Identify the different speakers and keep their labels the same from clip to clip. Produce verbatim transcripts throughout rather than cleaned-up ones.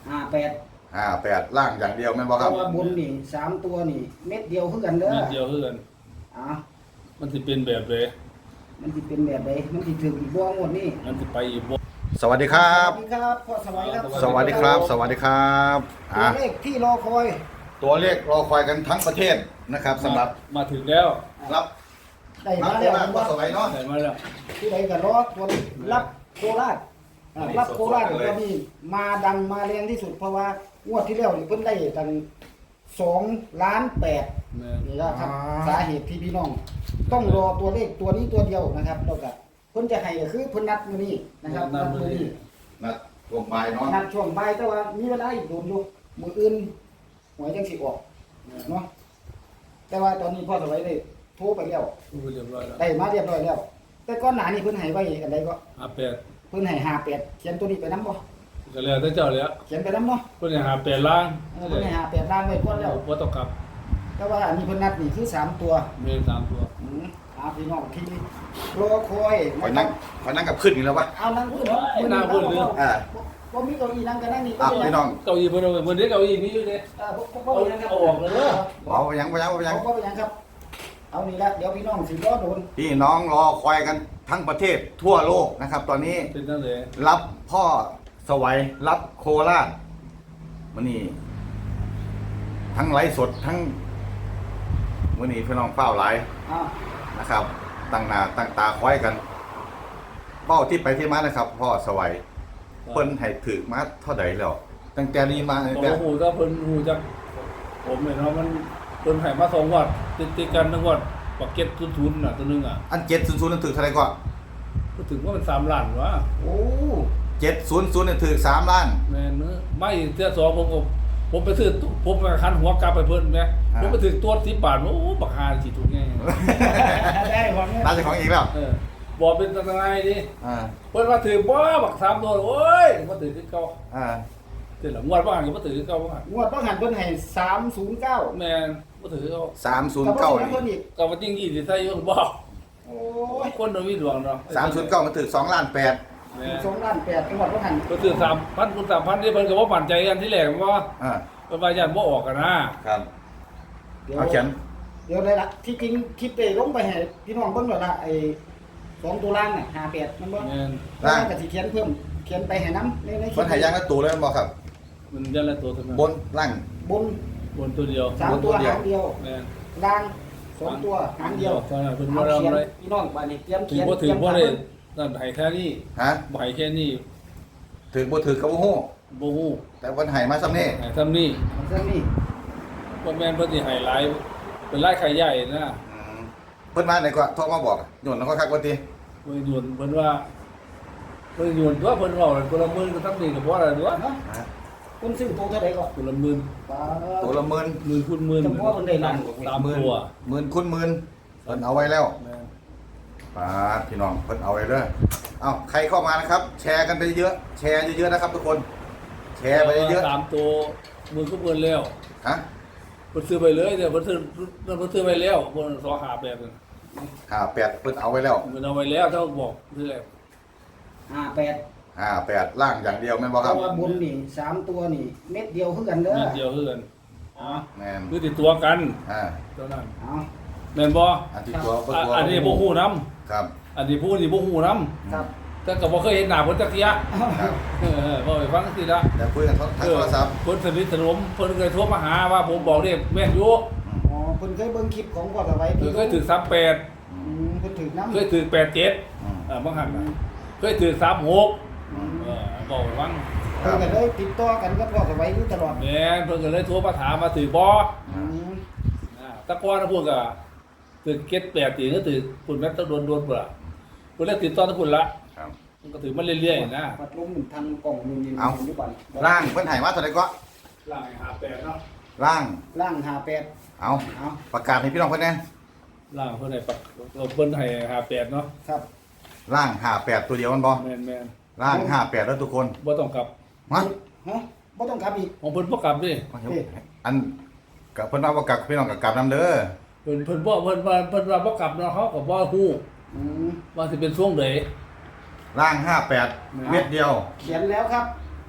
Speaker 1: ห้าแปด
Speaker 2: ห้าแปดล่างอย่างเดียวแม่นบ่ค
Speaker 1: เพ
Speaker 2: รับ
Speaker 1: ราะว่าบนนี่สามตัวนี่เม็ดเดียวคือกันเด้อ
Speaker 3: เม็ดเดียวคือกัน
Speaker 1: อ่า
Speaker 3: มันสิเป็นแบบเลย
Speaker 1: มันสิเป็นแบบใดมันสิถึงอีกบ่งวดนี้
Speaker 3: มันสิไปอีกบ่
Speaker 2: สวัสดีครับ
Speaker 1: สวัสดีครับพ่อสวัยครับ
Speaker 2: สวัสดีครับ สวัสดีครับ
Speaker 1: ตั
Speaker 2: อ่ะ
Speaker 1: วเลขที่รอคอย
Speaker 2: ตัวเลขรอคอยกันทั้งประเทศนะครับสำหรับ
Speaker 3: มาถึงแล้ว
Speaker 2: รับ
Speaker 1: ได้
Speaker 2: รั
Speaker 1: มา
Speaker 2: บโค
Speaker 1: แล้ว
Speaker 2: ราชพ่อสวัยเนาะ
Speaker 3: ได้มาแล้ว
Speaker 1: ที่ใดก็รอตัวนี้รับโคราชอ่ารับโคราชตัวนี้มาดังมาแรงที่สุดเพราะว่างวดที่แล้วนี่เพิ่นได้ตั้งสองล้านแปด
Speaker 3: แม่น
Speaker 1: นี่นะครับสาเหตุที่พี่น้อง ต้องรอตัวเลขตัวนี้ตัวเดียวนะครับแล้วก็เพิ่นจะให้ก็คือเพิ่นนัดมื้อนี้นะครับนัดมื้อนี้
Speaker 2: นะรวมบายเนาะ
Speaker 1: นัดช่วงบ่ายแต่ว่ามีเวลาอีกโดนอยู่มื้ออื่นหวยจังสิออกเนาะแต่ว่าตอนนี้พ่อสวัยได้โทรไปแล้ว
Speaker 3: พูดเรียบร้อยแล้ว
Speaker 1: ได้มาเรียบร้อยแล้ว แต่ก่อนหน้านี้เพิ่นให้ไว้อันใดก็
Speaker 3: ห้าแปด
Speaker 1: เพิ่นให้ห้าแปดเขียนตัวนี้ไปนำบ่
Speaker 3: ก็แล้วแต่เจ้าแล้ว
Speaker 1: เขียนไปนำเนาะ
Speaker 3: เพิ่นให้หาแปดล้าน
Speaker 1: เออเพิ่นให้ห้าแปดล้านไว้ก่อนแล้ว
Speaker 3: บ่ต้องกลับ
Speaker 1: แต่ว่าอันนี้เพิ่นนัดนี่คือสามตัว
Speaker 3: เมนสามตัว
Speaker 1: อืมอ่าพี่น้องที่รอคอย
Speaker 2: คอย
Speaker 1: นะค
Speaker 2: นั่
Speaker 1: รั
Speaker 2: ง
Speaker 1: บ
Speaker 2: คอยนั่งกับขึ้นอีกแล้ววะ
Speaker 1: เอานั่งพูดเนาะ
Speaker 3: ไอ้หน้าพูดเลย
Speaker 2: อ่า
Speaker 1: บ่มีเก้าอี้นั่งก็นั่งนี่
Speaker 2: อ่ะ
Speaker 1: ก็
Speaker 2: พี่น้อง
Speaker 3: เก้าอี้เพิ่นเอาไว้เพิ่นได้เก้าอี้มีอยู่เด้
Speaker 1: เออบ่บ่บ่เป็นหยังครับ
Speaker 3: เอาออกเลยเด้อ
Speaker 2: เอาไปยังไปยังไปยัง
Speaker 1: บ่เป็นหยังครับ เอานี่ละเดี๋ยวพี่น้องสิรอโดน
Speaker 2: พี่น้องรอคอยกันทั้งประเทศทั่วโลกนะครับ ตอนนี้
Speaker 3: เป็นจังได๋
Speaker 2: รับพ่อสวัยรับโคราชมันนี่ทั้งไลฟ์สดทั้งมันนี่พี่น้องเฝ้าไลฟ์
Speaker 1: อ่า
Speaker 2: นะครับ ตั้งหน้าตั้งตาคอยกัน เป้าที่ไปที่มานะครับ พ่อสวัยเพิ่นให้ถือมาเท่าใดแล้วตั้งแต่นี้มาตั้งแต่
Speaker 3: โอ้โหถ้าเพิ่นฮู้จักผมเนี่ยเนาะมันเพิ่นให้มาสองงวดติดๆกันทั้งงวดปักเก็ตทุนๆน่ะตัวนึงอ่ะ
Speaker 2: อันเจ็ดศูนย์ศูนย์นั่นถือเท่าไหรก็
Speaker 3: ก็ถึงว่ามันสามล้านวะ
Speaker 1: โอ้
Speaker 2: เจ็ดศูนย์ศูนย์นั่นถือสามล้าน
Speaker 3: แม่นเนอะไม่เทื่อสองผมก็ผมไปซื้อตู้ผมไปคันหัวกลับไปเพิ่นแหมผมไปถึงตัวสิบบาทโอ้บักหาสิถูกไง
Speaker 1: ได้ของเนี่ย
Speaker 2: ร้านเจ้าของอีกแล้ว
Speaker 3: เออบอกเป็นตังไงดิ
Speaker 2: อ่า
Speaker 3: เพิ่นมาถือบ่บักสามตัวโอ้ยมาถือคือเก่า
Speaker 2: อ่า
Speaker 3: ถือหลังงวดบ่หันก็มาถือคือเก่าบ่หัน
Speaker 1: งวดต้องหันเพิ่นให้สามศูนย์เก้า
Speaker 3: แม่นบ่ถือคือเก่า
Speaker 2: สามศูน
Speaker 1: กั
Speaker 2: ย์
Speaker 1: บ
Speaker 2: เก้า
Speaker 1: เพิ่นอีก
Speaker 3: ก็ว่าจริงยี่สิใส่อยู่บ่
Speaker 1: โอ้
Speaker 3: โอ้
Speaker 1: ย
Speaker 3: ยคนบ่มีดวงเนาะ
Speaker 2: สามศูนย์เก้ามันถือสองล้านแปด
Speaker 3: แม่น
Speaker 1: สองล้านแปดจังหวัดต้องหัน
Speaker 3: ก็ถือสามพันคูณสามพันนี่เพิ่นก็บ่มั่นใจกันที่แรกว่า
Speaker 2: อ่า
Speaker 3: เพิ่นว่าย่านบ่ออกกันนะครับ
Speaker 1: เดี๋ยว
Speaker 2: เอาเขียน
Speaker 1: เดี๋ยวเลยล่ะที่จริงคลิปได้ลงไปให้พี่น้องเบิ่งแล้วล่ะไอ้สองตัวล่างน่ะห้าแปดมันบ่
Speaker 3: แม่น
Speaker 1: ล่างก็สิเขียนเพิ่มเขียนไปให้นํในในคลิ
Speaker 2: เพิ่นให้ยางละตัวเลยแม่นบ่ครับ
Speaker 3: มันยันละตัวเท่านั้น
Speaker 2: บนล่าง
Speaker 1: บน
Speaker 3: บนตัวเดียว
Speaker 1: สาม
Speaker 2: บนตั
Speaker 1: ตัว
Speaker 2: วเดียว
Speaker 1: หางเดียว
Speaker 3: แม่น
Speaker 1: ล่างสองตัวหางเดียว
Speaker 3: เท่านั้นเพิ่น
Speaker 1: เอา
Speaker 3: บ่
Speaker 1: เขียน
Speaker 3: ทำเลย
Speaker 1: พี่น้องบัดนี้เตรียม
Speaker 3: ถื
Speaker 1: เขี
Speaker 3: อย
Speaker 1: น
Speaker 3: บ่ถือบ่
Speaker 1: เต
Speaker 3: ได้
Speaker 1: รียม
Speaker 3: นั่นให้แค่นี้
Speaker 2: ฮะ
Speaker 3: บ่ให้แค่นี้
Speaker 2: ถือบ่ถือก็บ่ฮู้
Speaker 3: บ่ฮู้
Speaker 2: แต่เพิ่นให้มาซ้ำนี่
Speaker 3: ให้ซ้ำนี้
Speaker 1: เรื่องนี้
Speaker 3: บ่แม่นเพิ่นสิให้หลายเป็นหลายไข่ใหญ่นะ
Speaker 2: อืมเพิ่นมาไหนก็โทรมาบอกโยนแล้วก็คักว่าติ
Speaker 3: เพิ่นโยนเพิ่นว่าเพิ่นโยนตัวเพิ่นเว้าคนละหมื่นก็ทำนี่ก็บ่ได้ตัว
Speaker 1: เนาะ
Speaker 2: ฮะ
Speaker 1: คุณซื้อตัวเท่าไหร่ก่อน
Speaker 3: คนละหมื่น
Speaker 1: ป้า
Speaker 2: ตัวละหมื่น
Speaker 3: หมื่นคูณหมื่น
Speaker 1: จำเพาะเพิ่นได้ล้านกว่า
Speaker 3: ตาม
Speaker 2: หมื่น
Speaker 3: ตัว
Speaker 2: หมื่นคูณหมื่นเพิ่นเอาไว้แล้ว
Speaker 3: แม่น
Speaker 2: ปาดพี่น้องเพิ่นเอาไว้เด้อเอ้าใครเข้ามานะครับ แชร์กันไปเยอะแชร์เยอะๆนะครับทุกคน แชร์ไปเยอะ
Speaker 3: ตามตัวหมื่นคูณหมื่นแล้ว
Speaker 2: ๆฮะ
Speaker 3: เพิ่นซื้อไปเลยเดี๋ยวเพิ่นซื้อเพิ่นซื้อไปแล้วเพิ่นสอหาแบบนึง
Speaker 2: ห้าแปดเพิ่นเอาไว้แล้ว
Speaker 3: เพิ่นเอาไว้แล้วเท่าบอกซื้อแล้ว
Speaker 1: ห้าแปด
Speaker 2: ห้าแปดล่างอย่างเดียวแม่นบ่
Speaker 1: เพ
Speaker 2: ครับ
Speaker 1: ราะว่าบนนี่สามตัวนี่เม็ดเดียวคือกันเด้อ
Speaker 3: เม็ดเดียวคือกัน
Speaker 1: อ๋อ
Speaker 2: แม่น
Speaker 3: คือติดตัวกัน
Speaker 2: อ่า
Speaker 3: เท่านั้น
Speaker 1: เอา
Speaker 3: แม่นบ่
Speaker 2: อันที่ตัวบ่
Speaker 3: อ่ะ
Speaker 2: ตัว
Speaker 3: อันนี้บ่ฮู้นํ
Speaker 2: ครับ
Speaker 3: อันนี้ผู้นี่บ่ฮู้นํ
Speaker 1: ครับ
Speaker 3: แต่ก็บ่เคยเห็นหน้าเพิ่นจักเที่ย
Speaker 2: ครับ
Speaker 3: เออบ่ไปฟังสิละ
Speaker 2: แต่คุยกันทางโทรศัพท์
Speaker 3: เพิ่นสนิทสนมเพิ่นเคยโทรมาหาว่าผมบอกเด้แม่นอยู่
Speaker 1: อ๋อเพิ่นเคยเบิ่งคลิปของพ่อสวัย
Speaker 3: เพิ่นเคยถือสามแปด
Speaker 1: อืมเพิ่นถือน้ำ
Speaker 3: เคยถือแปดเจ็ด
Speaker 2: อืม
Speaker 3: เออบางหันน่ะเคยถือสามหก
Speaker 2: อืม
Speaker 3: เออบอกไปฟัง
Speaker 1: เพิ่นก็เลยติดต่อกันกับพ่อสวัยอยู่ตลอด
Speaker 3: แม่นเพิ่นก็เลยโทรมาถามมาถือบ่
Speaker 1: อืม
Speaker 3: อ่าแตะก่อนนะพวกก็ถือเก็ตแปดตีก็ถือคุณแม่ต้องโดนโดนเปล่าเพิ่นเลยติดต่อทุกคนละ
Speaker 2: ครับ
Speaker 3: มันก็ถือมันเรื่อยๆนะ
Speaker 1: ปัดลมมันทางกล่องมันนี่
Speaker 2: เอา
Speaker 1: อยู่บัด
Speaker 2: ล่างเพิ่นให้มาเท่าไหร่ก็
Speaker 3: ล่างหาแปดเนาะ
Speaker 2: ล่าง
Speaker 1: ล่างห้าแปด
Speaker 2: เอา
Speaker 1: เอา
Speaker 2: ประกาศให้พี่น้องเพิ่นแน่
Speaker 3: ล่างเพิ่นให้ปักเราเพิ่นให้หาแปดเนาะ
Speaker 1: ครับ
Speaker 2: ล่างห้าแปดตัวเดียวมันบ่
Speaker 3: แม่นแม่น
Speaker 2: ล่างห้าแปดแล้วทุกคน
Speaker 3: บ่ต้องกลับ
Speaker 2: มา
Speaker 1: ฮะบ่ต้องกลับอีก
Speaker 3: ของเพิ่นบ่กลับดิ
Speaker 2: อันกับเพิ่นว่าบ่กลับพี่น้องก็กลับนํเด้อ
Speaker 3: เพิ่นเพิ่นบ่เพิ่นว่าเพิ่นว่าบ่กลับเนาะเขาก็บ่ฮู้
Speaker 1: อืม
Speaker 3: ว่าสิเป็นช่วงใด
Speaker 2: ล่างห้าแปดเม็ดเดียว
Speaker 1: เขียนแล้วครับ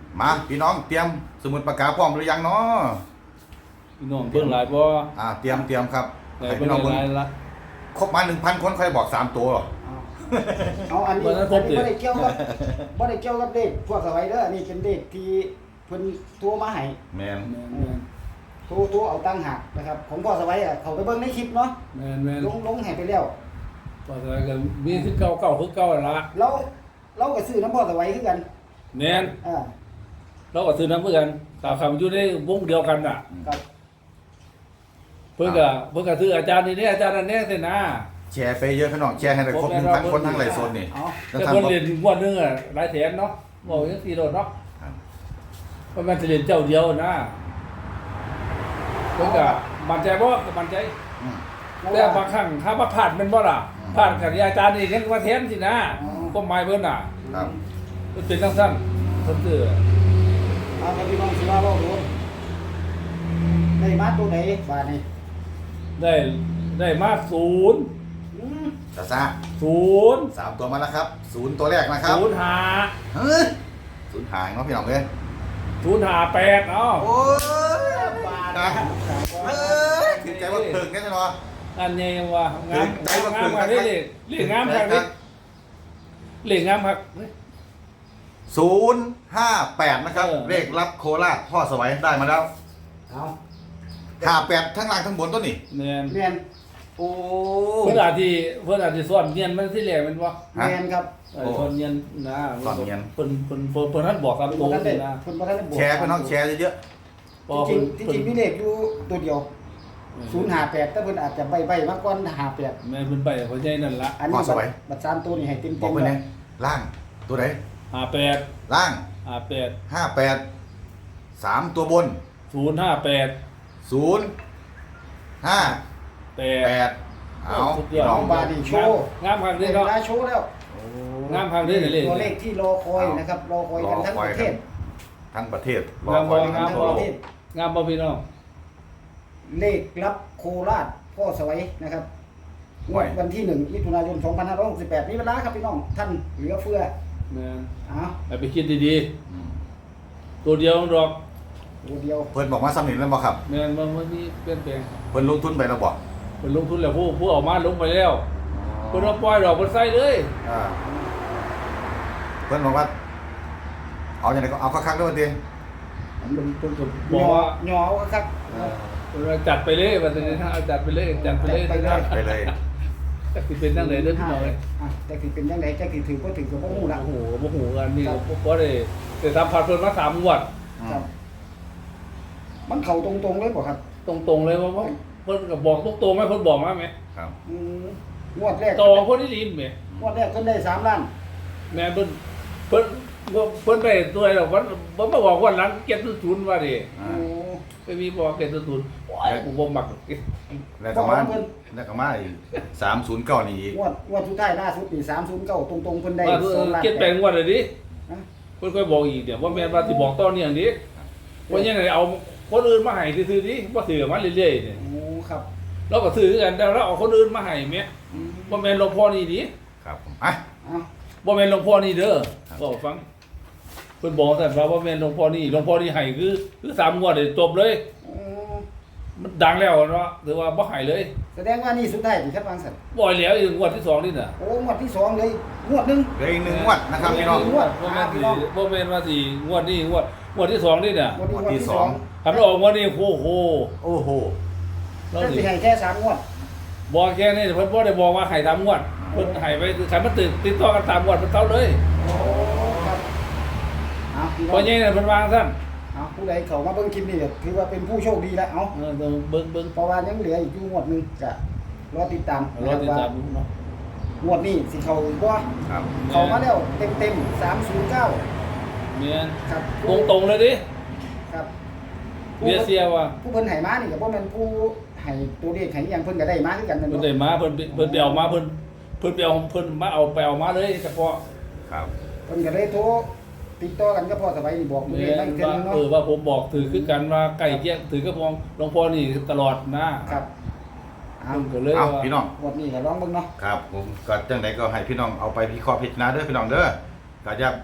Speaker 2: มาพี่น้องเตรียมสมุดปากกาพร้อมหรือยังเนาะ
Speaker 3: พี่น้องเบิ่งหลายบ่
Speaker 2: อ่าเตรียมเตรียมครับ
Speaker 3: หลาย
Speaker 2: ให้
Speaker 3: เบิ่
Speaker 2: พี่
Speaker 3: ง
Speaker 2: น้องเบิ่ง
Speaker 3: หลายละ
Speaker 2: ครบมาหนึ่งพันคนค่อยบอกสามตัวหรอ
Speaker 1: เอาอันนี้
Speaker 3: วันนั้นพ
Speaker 1: อั
Speaker 3: บ
Speaker 1: น
Speaker 3: ดิ
Speaker 1: นี้บ่ได้เกี่ยวกับบ่ได้เกี่ยวกับเด็กพวกสไลเดอร์อันนี้เป็นเด็กที่เพิ่นโทรมาให้
Speaker 2: แมน
Speaker 3: แม่นแม่น
Speaker 1: โทรโทรเอาตังค์หักนะครับของพ่อสไลอ่ะเขาไปเบิ่งในคลิปเนาะ
Speaker 3: แม่นแม่น
Speaker 1: ลงลงให้ไปแล้ว
Speaker 3: ว่าแต่ก็มีคือเก่าเก่าคือเก่าละ
Speaker 1: เราเราก็ซื้อน้ำพ่อสไลคือกัน
Speaker 3: แม่น
Speaker 1: อ่า
Speaker 3: เราก็ซื้อน้ำเหมือนกันตามคำอยู่ในวงเดียวกันน่ะ
Speaker 1: ครับ
Speaker 3: เพิ่นก็เพิ่นก็ซื้ออาจารย์นี่เนี่ยอาจารย์นั่นเนี่ยสินะ
Speaker 2: แชร์ไปเยอะพี่น้องแชร์ให้ได้ครบหนึ่งพันคนทั้งหลายโซนนี่
Speaker 1: เอา
Speaker 2: แล้ว
Speaker 3: แต่
Speaker 2: ทำ
Speaker 3: คน
Speaker 2: บ่
Speaker 3: เรียนงวดหนึงอ่ะหลายแสนเนาะบอกจังซี่โดดเนาะ
Speaker 2: ครับ
Speaker 3: เพราะมันจะเรียนเจ้าเดียวนะเพิ่นก็มั่นใจบ่ก็มั่นใจ
Speaker 2: อืม
Speaker 3: แต่บางครั้งถ้ามาผ่านแมันบ่ล่ะ
Speaker 2: อืม
Speaker 3: ผ่านกับอาจารย์นี่ยังว่าแทนสินะก็หมายเพิ่นน่ะ
Speaker 2: ครับ
Speaker 3: มันเป็นจังซั่นเพิ่นซื้อ
Speaker 1: เอาครับพี่น้องสิว่าเราดูได้มาตัวไหนบาทนี่
Speaker 3: ได้ได้มาศูนย์
Speaker 1: อืม
Speaker 2: ซาซา
Speaker 3: ศูนย์
Speaker 2: สามตัวมาแล้วครับศูนย์ตัวแรกนะครับ
Speaker 3: ศูนย์ห้า
Speaker 2: เฮ้ยศูนย์หายเนาะพี่น้องเลย
Speaker 3: ศูนย์ห้าแปดเนาะ
Speaker 2: โอ้ย
Speaker 1: บาท
Speaker 2: นะ
Speaker 1: นะ
Speaker 2: เฮ้ยถึงใจว่าถึงแน่นอน
Speaker 3: อันนี้ว่างาม
Speaker 2: ใจว่าง
Speaker 3: าม
Speaker 2: เกิน
Speaker 3: มา
Speaker 2: ครั
Speaker 3: ได้
Speaker 2: บ
Speaker 3: เลยเรียกงามครับนี่เรียกงามครับ
Speaker 2: ศูนย์ห้าแปดนะครับ
Speaker 3: เออ
Speaker 2: เลขรับโคราชพ่อสวัยได้มาแล้ว
Speaker 1: เอา
Speaker 2: ห้าแปดทั้งล่างทั้งบนต้นนี่
Speaker 3: แม่น
Speaker 1: เรียน
Speaker 2: โอ้
Speaker 3: เพิ่นอาจสิเพิ่นอาจสิสอนเนียนมันสิแหลกแมันบ่
Speaker 2: ฮะ
Speaker 1: เรียนครับ
Speaker 3: เออสอนเนียนนะ
Speaker 2: สอนเนียน
Speaker 3: เพิ่นเพิ่นเพิ่นเพิ่นท่านบอกตาม
Speaker 1: คุณ
Speaker 3: ตรง
Speaker 1: ท่านได้
Speaker 3: นี่นะ
Speaker 1: คุณท่านได้บวก
Speaker 2: แชร์พี่น้องแชร์เยอะ
Speaker 3: พอ
Speaker 1: จริ
Speaker 3: เพิ่
Speaker 1: ง
Speaker 3: น
Speaker 1: ๆที่จริงมีเลขอยู่ตัวเดียวศูนย์ห้าแปดแต่เพิ่นอาจจะใบใบมาก่อนห้าแปด
Speaker 3: แม่นเพิ่นไปเขาใหญ่นั่นละ
Speaker 1: อันนี้บัตรบัตรสามตัวนี่ให้เต็ม
Speaker 2: ๆบ
Speaker 1: เต็
Speaker 2: อก
Speaker 1: ม
Speaker 2: ไป
Speaker 1: เล
Speaker 2: เนี่ย ยล่างตัวไหน
Speaker 3: ห้าแปด
Speaker 2: ล่าง
Speaker 3: ห้าแปด
Speaker 2: ห้าแปดสามตัวบน
Speaker 3: ศูนย์ห้าแปด
Speaker 2: ศูนย์ห้า
Speaker 3: แป
Speaker 2: แป
Speaker 3: ด
Speaker 2: ดเอาพี่น้อง
Speaker 1: บาดีโชว์
Speaker 3: งามครับ
Speaker 1: เว
Speaker 3: นี่เนาะ
Speaker 1: ลาโชว์แล้ว
Speaker 3: งามครับนี่เลย
Speaker 1: ตัวเลขที่รอคอยนะครับรอคอยกันทั้งประเทศ
Speaker 2: ทั้งประเทศรอง
Speaker 3: าม
Speaker 2: คอย
Speaker 3: บ่
Speaker 2: กัน
Speaker 3: งาม
Speaker 2: ทั้ง
Speaker 3: บ่
Speaker 2: โลก
Speaker 3: งามบ่พี่น้อง
Speaker 1: เลขรับโคราชพ่อสวัยนะครับงวดวันที่หนึ่งมิถุนายนสองพันห้าร้อยหกสิบแปดนี้เวลาครับพี่น้องท่านเหลือเฟือ
Speaker 3: แม่น
Speaker 1: เอา
Speaker 3: ให้ไปคิดดี
Speaker 2: อืม
Speaker 3: ๆตัวเดียวดอก
Speaker 1: ตัวเดียว
Speaker 2: เพิ่นบอกว่าสำเร็จแล้วบ่ครับ
Speaker 3: แม่นบ่มันมีเปลี่ยนแปลง
Speaker 2: เพิ่นลงทุนไปแล้วบ่
Speaker 3: เพิ่นลงทุนแล้วผู้ผู้เออกมาลงไปแล้วเพิ่นเอาปล่อยดอกเพิ่นใส่เลย
Speaker 2: อ่าเพิ่นบอกว่า เอาอย่างไรก็เอาคักๆด้วยดิ
Speaker 3: เพิ่นเพิ่นก็
Speaker 1: ห
Speaker 3: บ
Speaker 1: ย
Speaker 3: อก
Speaker 1: อ
Speaker 3: ว่า
Speaker 1: หยอครับ
Speaker 3: เพิ่นว่าจัดไปเลยว่าแต่ถ้าเอาจัดไปเลยจัดไปเลย
Speaker 1: จัดไปเลย
Speaker 2: ไปเลย
Speaker 3: จักสิเป็นจังไดเด้อพี่น้องเอ้ย
Speaker 1: อ่ะแต่สิเป็นยังไงจะกี่ถือก็ถือกับพวกมูละ
Speaker 3: โอ้โหโอ้โหกันนี่
Speaker 1: ครับ
Speaker 3: บ่ได้ได้สัมผัสเพิ่นมาสามงวด
Speaker 1: ครับ มันเข่าตรงๆเลยบ่ครับ
Speaker 3: ตรงๆเลยว่าว่าเพิ่นก็บอกตรงๆไหมเพิ่นบอกมาไหม
Speaker 2: ครับ
Speaker 1: อืมงวดแรก
Speaker 3: ตองคนที่ดินไหม
Speaker 1: งวดแรกเพิ่นได้สามล้าน
Speaker 3: แม่เพิ่นเพิ่นเพิ่นไปตัวอะไรหรอกเพิ่นเพิ่นมาบอกวันหลังเก็บศูนย์ว่าดิ
Speaker 2: อ่า
Speaker 1: โอ้
Speaker 3: ไปมีบอกเก็บศูนย์โอ้ยผมบ่มัก
Speaker 2: แล้วก็มาแล้วก็มาอีกสามศูนย์เก้านี่อีก
Speaker 1: งวดงวดสุดท้ายล่าสุดนี่สามศูนย์เก้าตรงๆเพิ่นได้
Speaker 3: ว่า
Speaker 1: สองล้าน
Speaker 3: เก็บแปลงวันเลยดิ
Speaker 1: ฮะ
Speaker 3: เพิ่นค่อยบอกอีกเดี๋ยวว่าแม่นว่าสิบอกตอนนี้อย่างนี้ว่ายังไงเอาคนอื่นมาให้ซื่อๆดิบ่ถือมาเรื่อยๆเนี่ย
Speaker 1: โอ้ครับ
Speaker 3: เราก็ซื้อกันแต่เราเอาคนอื่นมาให้แม่
Speaker 1: อืม
Speaker 3: บ่แม่นหลวงพ่อนี่ดิ
Speaker 2: ครับผมอ่ะ
Speaker 1: เอา
Speaker 3: บ่แม่นหลวงพ่อนี่เด้อ
Speaker 2: ครับ
Speaker 3: บอกฟังเพิ่นบอกแต่ว่าบ่แม่นหลวงพ่อนี่หลวงพ่อนี่ให้คือคือสามงวดเลยจบเลย
Speaker 1: โอ้
Speaker 3: มันดังแล้วเนาะถือว่าบ่ให้เลย
Speaker 1: แสดงว่านี่สุดท้ายที่ครับบางสัน
Speaker 3: บ่ให้แล้วอีกงวดที่สองนี่น่ะ
Speaker 1: โอ้งวดที่สองเลยงวดหนึง
Speaker 2: เหลืออีกหนึ่งงวดนะครับพี่น้อง
Speaker 1: งวด
Speaker 3: บ่แม่น
Speaker 1: พี่
Speaker 3: สิ
Speaker 1: น้อง
Speaker 3: บ่แม่นว่าสิงวดนี้งวดงวดที่สองนี่น่ะ
Speaker 1: งวดนี้
Speaker 2: งวด
Speaker 1: งวด
Speaker 2: ที่
Speaker 1: ที่
Speaker 2: ส
Speaker 1: ส
Speaker 2: อ
Speaker 1: อง ง
Speaker 3: คันออกงวดนี้โอ้โห
Speaker 2: โอ้โห
Speaker 3: เรา
Speaker 1: แต่
Speaker 3: สิ
Speaker 1: สิให้แค่สามงวด
Speaker 3: บอกแค่นี้เพิ่นบ่ได้บอกว่าให้ตามงวดเพิ่นให้ไปคือใครมันติดติดต่อกันตามงวดเพิ่นเท่าเลย
Speaker 1: โอ้ครับเอาพี่น้
Speaker 3: พ
Speaker 1: อ
Speaker 3: อง ใหญ่น่ะเพิ่นวางซั่น
Speaker 1: เอาผู้ใดเข้ามาเบิ่งคลิปนี้ก็ถือว่าเป็นผู้โชคดีแล้วเอา
Speaker 3: เออเดี๋ยวเบิ่งเบิ่ง
Speaker 1: เพราะว่ายังเหลืออีกอยู่งวดหนึงจะรอติดตาม
Speaker 3: รอติดตามดูเนาะ
Speaker 1: งวดนี้สิเข้าอีกบ่
Speaker 2: ครับ
Speaker 1: เข้ามาแล้วเต็มๆสามศูนย์เก้า
Speaker 3: แม่น
Speaker 1: ครับ
Speaker 3: ตรงๆเลยดิ
Speaker 1: ครับ
Speaker 3: เบียเสียว่า
Speaker 1: ผู้เพิ่นให้มานี่ก็บ่แม่นผู้ให้ตัวเลขให้อิหยังเพิ่นก็ได้มาคือกันนั่น
Speaker 3: เพิ่น
Speaker 1: เนาะ
Speaker 3: ได้มาเพิ่นเพิ่นไปเอามาเพิ่นเพิ่นไปเอาเพิ่นมาเอาไปเอามาเลยเฉพาะ
Speaker 2: ครับ
Speaker 1: เพิ่นก็เลยโทรติดต่อกันก็พอสบายนี่บอกมื้อ
Speaker 3: แม่
Speaker 1: นี้ได้
Speaker 3: น
Speaker 1: อีกเทื่อ
Speaker 3: ว่า
Speaker 1: นึงเนาะ
Speaker 3: เออว่าผมบอกถือคือกันว่าใกล้เคียงถือกับพองหลวงพ่อนี่ตลอดนะครับ
Speaker 1: เอา
Speaker 3: เพิ่นก็เลย
Speaker 2: เอา
Speaker 3: ว่า
Speaker 2: พี่น้อง
Speaker 1: งวดนี้ก็ลองเบิ่งเนาะ
Speaker 2: ครับผมก็จังไดก็ให้พี่น้องเอาไปพิเคราะห์พิจารณาเด้อพี่น้องเด้อก็จะ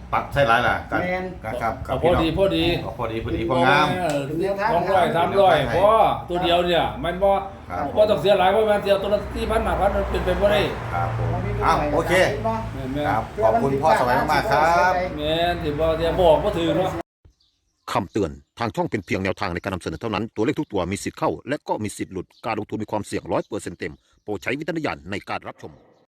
Speaker 2: ปักใช่หลายล่ะกัน
Speaker 1: แม่น
Speaker 2: ครับครั
Speaker 3: เอา
Speaker 2: บ
Speaker 3: พอดีพอดี
Speaker 2: เอาพอดีพอดีพองาม
Speaker 3: เออสองร้อยสามร้อยเพราะตัวเดียวเนี่ยมันบ่
Speaker 2: ครับ
Speaker 3: บ่ต้องเสียหลายเพราะมันเสียตัวละสี่พันห้าพันมันเป็นไปบ่ได้
Speaker 2: ครับผมอ้าวโอเค
Speaker 3: แม่นแม่
Speaker 2: ครับขอบคุณพ่อสวัยมากๆครับ
Speaker 3: แม่นสิบ่เสียบอกบ่ถือเนาะ
Speaker 4: คำเตือน ทางช่องเป็นเพียงแนวทางในการนำเสนอเท่านั้น ตัวเลขทุกตัวมีสิทธิ์เข้า และก็มีสิทธิ์หลุด การลงทุนมีความเสี่ยงร้อยเปอร์เซ็นต์เต็ม โปรดใช้วิจารณญาณในการรับชม